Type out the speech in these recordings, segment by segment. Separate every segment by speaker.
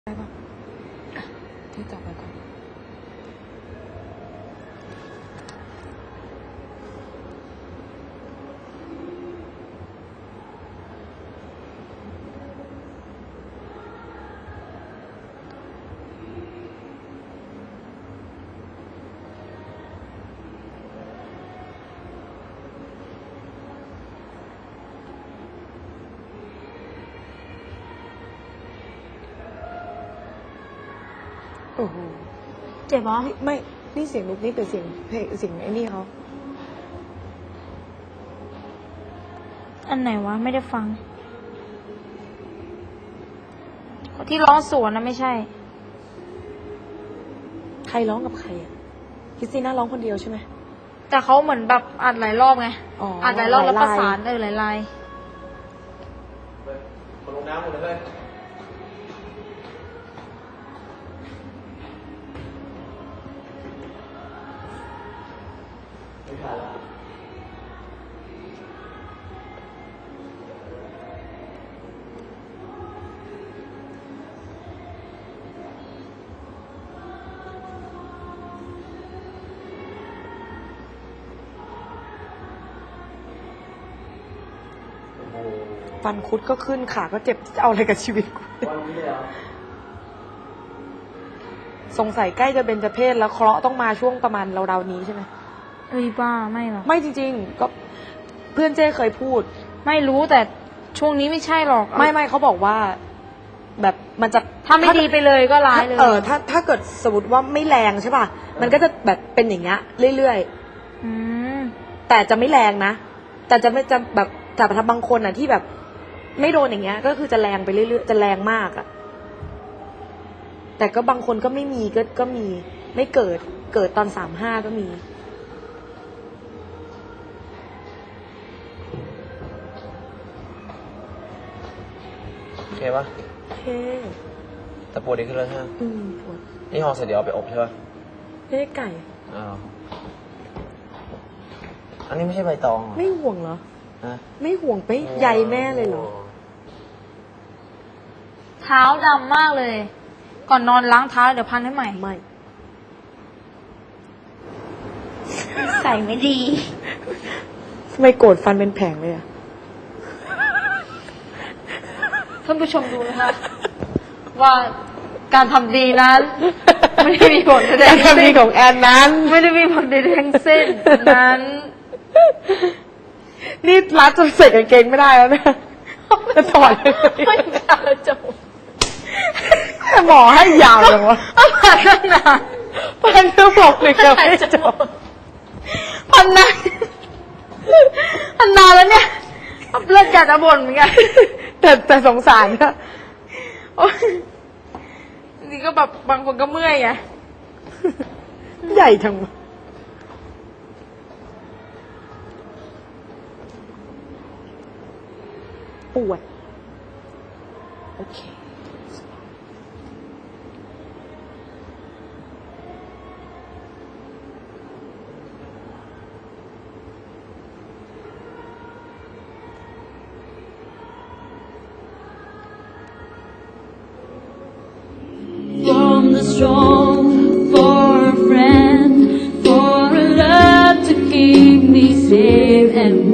Speaker 1: ได้ปะที่จับไปก่อนโอ้โห
Speaker 2: เจ็บเหรอ
Speaker 1: ไม่ นี่เสียงนุกนี่เป็นเสียงเพลงเสียงไอ้นี่เขา
Speaker 2: อันไหนวะไม่ได้ฟัง ที่ร้องสวนนะไม่ใช่
Speaker 1: ใครร้องกับใครอ่ะคริสติน่าร้องคนเดียวใช่ไหม
Speaker 2: แต่เขาเหมือนแบบอัดหลายรอบไง
Speaker 1: อ๋อ
Speaker 2: อัดหลายรอบแล้ว
Speaker 1: ห
Speaker 2: ป
Speaker 1: ลาย
Speaker 2: ระ
Speaker 1: ลาย
Speaker 2: สานหลายลาย
Speaker 3: มาลงน้ำหมดเลยไม่ทันละโอ้โห
Speaker 1: ฟันคุดก็ขึ้นขาก็เจ็บจะเอาอะไรกับชีวิตกู
Speaker 3: วันนี้เลยเหรอ
Speaker 1: สงสัยใกล้จะเบญจเพสแล้วเคราะห์ต้องมาช่วงประมาณราวๆนี้ใช่ไหม
Speaker 2: เอ้ยบ้าไม่หรอก
Speaker 1: ไม่จริงๆ ก็เพื่อนเจ้เคยพูด
Speaker 2: ไม่รู้แต่ช่วงนี้ไม่ใช่หรอก
Speaker 1: ไม่เขาบอกว่า แบบมันจะ
Speaker 2: ถ้าไม่ดีไปเลยก็ร้ายเลย
Speaker 1: ถ้าเกิดสมมติว่าไม่แรงใช่ป่ะ มันก็จะแบบเป็นอย่างเงี้ยเรื่อย
Speaker 2: อืม
Speaker 1: ๆ แต่จะไม่แรงนะ แต่จะไม่จะแบบแต่ถ้าบางคนอ่ะที่แบบ ไม่โดนอย่างเงี้ย ก็คือจะแรงไปเรื่อยๆจะแรงมากอ่ะ แต่ก็บางคนก็ไม่มีก็มี ไม่เกิดตอน35ก็มี
Speaker 3: โอเคปะ
Speaker 1: โอเค
Speaker 3: แต่ปวดดีขึ้นแล้วใช่ไหม
Speaker 1: ปวด
Speaker 3: นี่ห่อเสร็จเดี๋ยวเอาไปอบใช่ปะ
Speaker 1: ไม่ได้ไก่
Speaker 3: อ้าวอันนี้ไม่ใช่ใบตองเหรอ
Speaker 1: ไม่ห่วงเหรอ
Speaker 3: ฮะ
Speaker 1: ไม่ห่วงไปใยแม่เลยเหรอ
Speaker 2: เท้าดำมากเลย ก่อนนอนล้างเท้าเดี๋ยวพันให้ใหม่
Speaker 1: ไม่
Speaker 2: ใส่ไม่ดี
Speaker 1: ทำไมโกรธฟันเป็นแผงเลยอ่ะ
Speaker 2: ท่านผู้ชมดูนะคะ ว่าการทำดีนั้น ไม่ได้มีผลแสด
Speaker 1: กาง รทำดีของแอนนั้น
Speaker 2: ไม่ได้มีผลใดๆทั้งสิ้นนั้น
Speaker 1: นี่รัดจนใส่กางเกงไม่ได้แล้วเนี่ยจะถอดเลย
Speaker 2: ไม่กล้าจบ
Speaker 1: แต่หมอให้ยาวเลยวะ
Speaker 2: พันตั้งนาน
Speaker 1: พันก็บอกเลยจะไม่จบ
Speaker 2: พันนานพันนานแล้วเนี่ยเลือดอยากจะบ่นเหมือนกัน
Speaker 1: แต่สงสารนะ
Speaker 2: โอ๊ยนี่ก็แบบบางคนก็เมื่อยไง
Speaker 1: ใหญ่จังวะปวด โอเค
Speaker 4: From the strong for a friend, for a love to keep me safe and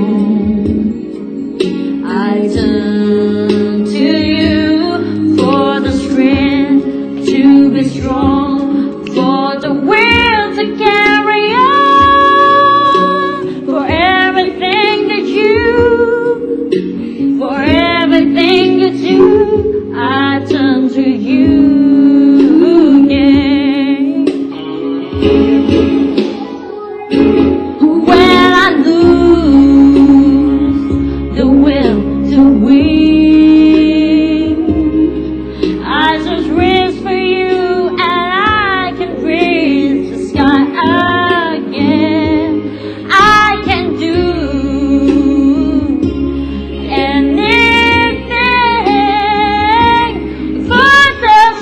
Speaker 4: warm. I turn to you for the strength to be strong, for the will to carry on, for everything that for everything you do, I turn to you. When I lose the will to win, I just reach for you and I can reach the sky again. I can do anything for the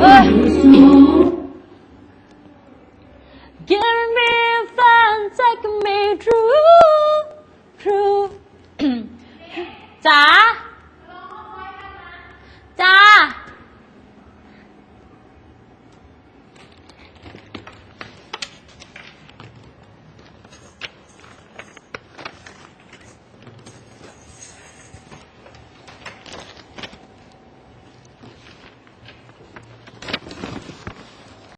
Speaker 4: Give me a fun, take me through จ๋า จ๋า